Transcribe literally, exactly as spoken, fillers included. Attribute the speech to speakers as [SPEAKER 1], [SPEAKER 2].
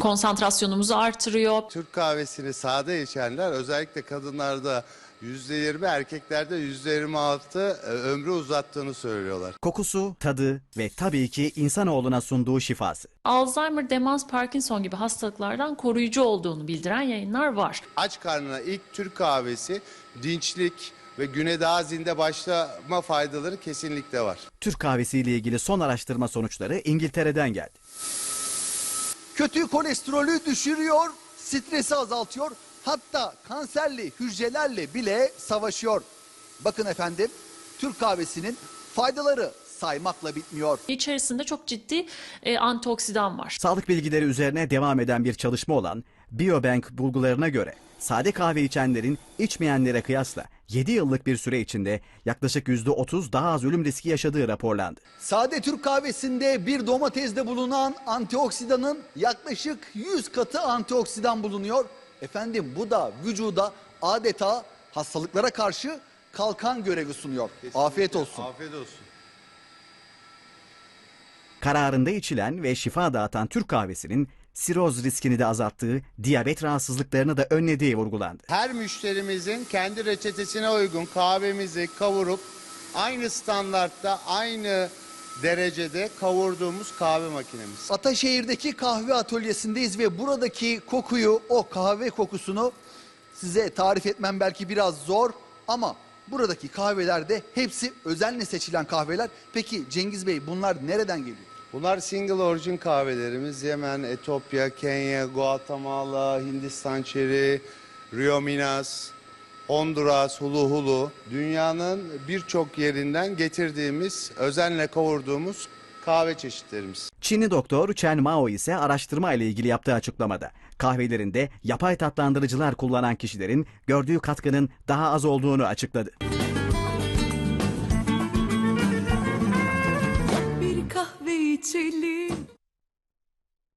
[SPEAKER 1] Konsantrasyonumuzu artırıyor.
[SPEAKER 2] Türk kahvesini sade içenler, özellikle kadınlarda yüzde yirmi, erkeklerde yüzde yirmi altı ömrü uzattığını söylüyorlar.
[SPEAKER 3] Kokusu, tadı ve tabii ki insanoğluna sunduğu şifası.
[SPEAKER 1] Alzheimer, demans, Parkinson gibi hastalıklardan koruyucu olduğunu bildiren yayınlar var.
[SPEAKER 2] Aç karnına ilk Türk kahvesi dinçlik ve güne daha zinde başlama faydaları kesinlikle var.
[SPEAKER 3] Türk kahvesiyle ilgili son araştırma sonuçları İngiltere'den geldi.
[SPEAKER 4] Kötü kolesterolü düşürüyor, stresi azaltıyor, hatta kanserli hücrelerle bile savaşıyor. Bakın efendim, Türk kahvesinin faydaları saymakla bitmiyor.
[SPEAKER 1] İçerisinde çok ciddi e, antioksidan var.
[SPEAKER 3] Sağlık bilgileri üzerine devam eden bir çalışma olan Biobank bulgularına göre sade kahve içenlerin içmeyenlere kıyasla yedi yıllık bir süre içinde yaklaşık yüzde otuz daha az ölüm riski yaşadığı raporlandı.
[SPEAKER 4] Sade Türk kahvesinde bir domatesde bulunan antioksidanın yaklaşık yüz katı antioksidan bulunuyor. Efendim bu da vücuda adeta hastalıklara karşı kalkan görevi sunuyor.
[SPEAKER 2] Kesinlikle.
[SPEAKER 4] Afiyet olsun.
[SPEAKER 2] Afiyet olsun.
[SPEAKER 3] Kararında içilen ve şifa dağıtan Türk kahvesinin siroz riskini de azalttığı, diyabet rahatsızlıklarını da önlediği vurgulandı.
[SPEAKER 2] Her müşterimizin kendi reçetesine uygun kahvemizi kavurup aynı standartta, aynı derecede kavurduğumuz kahve makinemiz.
[SPEAKER 4] Ataşehir'deki kahve atölyesindeyiz ve buradaki kokuyu, o kahve kokusunu size tarif etmem belki biraz zor ama buradaki kahvelerde hepsi özenle seçilen kahveler. Peki Cengiz Bey, bunlar nereden geliyor?
[SPEAKER 2] Bunlar single origin kahvelerimiz. Yemen, Etiyopya, Kenya, Guatemala, Hindistan çeri, Rio Minas, Honduras, Hulu Hulu. Dünyanın birçok yerinden getirdiğimiz, özenle kavurduğumuz kahve çeşitlerimiz.
[SPEAKER 3] Çinli doktor Chen Mao ise araştırma ile ilgili yaptığı açıklamada kahvelerinde yapay tatlandırıcılar kullanan kişilerin gördüğü katkının daha az olduğunu açıkladı.